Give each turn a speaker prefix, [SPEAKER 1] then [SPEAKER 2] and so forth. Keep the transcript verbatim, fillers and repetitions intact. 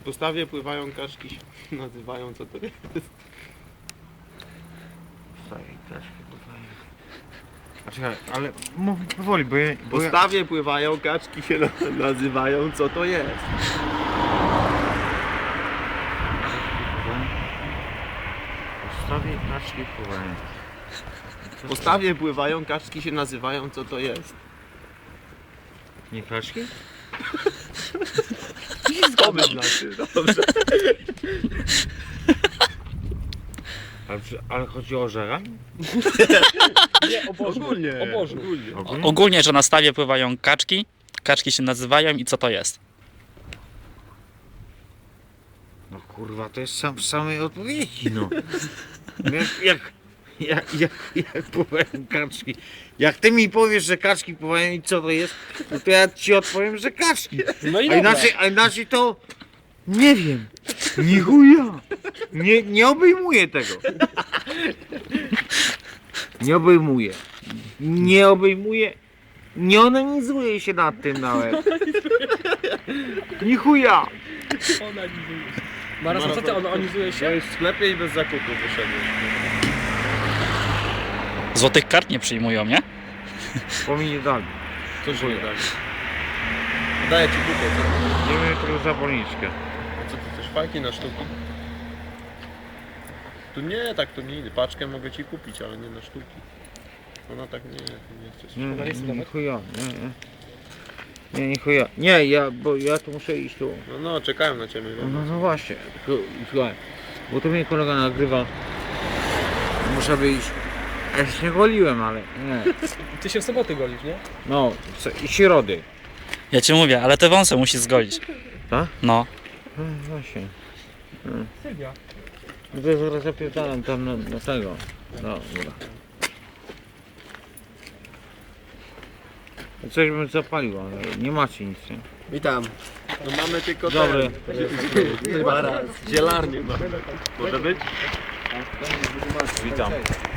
[SPEAKER 1] postawie pływają kaczki, się nazywają, co to jest?
[SPEAKER 2] Postawie kaczki pływają. A czekaj, ale mów powoli, bo ja...
[SPEAKER 1] W
[SPEAKER 2] Bo ja...
[SPEAKER 1] postawie pływają kaczki, się na- nazywają, co to jest?
[SPEAKER 2] Postawie kaczki pływają.
[SPEAKER 1] W postawie pływają kaczki, się nazywają, co to jest?
[SPEAKER 2] Nie kaczki?
[SPEAKER 1] To by znaczy, dobrze.
[SPEAKER 2] Ale, przy- ale chodzi o żera?
[SPEAKER 3] Nie, o Bożu.
[SPEAKER 1] Ogólnie,
[SPEAKER 3] O Bożu.
[SPEAKER 1] ogólnie.
[SPEAKER 2] Ogólnie?
[SPEAKER 4] Ogólnie, że na stawie pływają kaczki, kaczki się nazywają i co to jest?
[SPEAKER 2] No kurwa, to jest sam w samej odpowiedzi, no. Jak, jak, jak, jak, jak pływają kaczki. Jak ty mi powiesz, że kaczki pływają i co to jest, no to ja ci odpowiem, że kaczki.
[SPEAKER 3] No i
[SPEAKER 2] A
[SPEAKER 3] dobra.
[SPEAKER 2] inaczej, a inaczej to... Nie wiem. Ni chuja. Nie, nie obejmuję tego. Nie obejmuję. Nie obejmuję. Nie onanizuję się nad tym nawet. Ni chuja.
[SPEAKER 3] Maras, a co ty onanizujesz
[SPEAKER 1] To
[SPEAKER 3] się?
[SPEAKER 1] jest w sklepie i bez zakupu wyszedłeś.
[SPEAKER 4] Złotych kart nie przyjmują, nie?
[SPEAKER 2] Bo mi nie dali.
[SPEAKER 1] Co się nie dali? Daję ci kupę, co?
[SPEAKER 2] Nie wiem tylko zapalniczkę.
[SPEAKER 1] A co ty chcesz, fajki na sztuki? Tu nie, tak to nie idę. Paczkę mogę ci kupić, ale nie na sztuki. Ona tak nie, nie chcesz.
[SPEAKER 2] Nie,
[SPEAKER 3] Ona
[SPEAKER 2] nie,
[SPEAKER 3] jest
[SPEAKER 2] nie,
[SPEAKER 3] dobra?
[SPEAKER 2] nie chuja. Nie, nie. Nie, nie chuja. Nie, ja, bo ja tu muszę iść tu.
[SPEAKER 1] No, no, czekają na ciebie.
[SPEAKER 2] No, no, no właśnie. Tylko, słuchaj, bo to mnie kolega nagrywa. Muszę wyjść. Ja się nie goliłem, ale nie.
[SPEAKER 3] Ty się w soboty golisz, nie?
[SPEAKER 2] No, co- i środy.
[SPEAKER 4] Ja ci mówię, ale te wąsy musisz zgolić.
[SPEAKER 2] Tak?
[SPEAKER 4] No.
[SPEAKER 2] No właśnie.
[SPEAKER 3] Sylwia.
[SPEAKER 2] No to ja zaraz zapierdalam tam na, na tego. No, dobra. Coś bym zapalił, ale nie macie nic, nie?
[SPEAKER 1] Witam. No mamy tylko
[SPEAKER 2] Dobry.
[SPEAKER 1] ten. Zaraz. Zielarnię mamy. Może być?
[SPEAKER 2] Witam.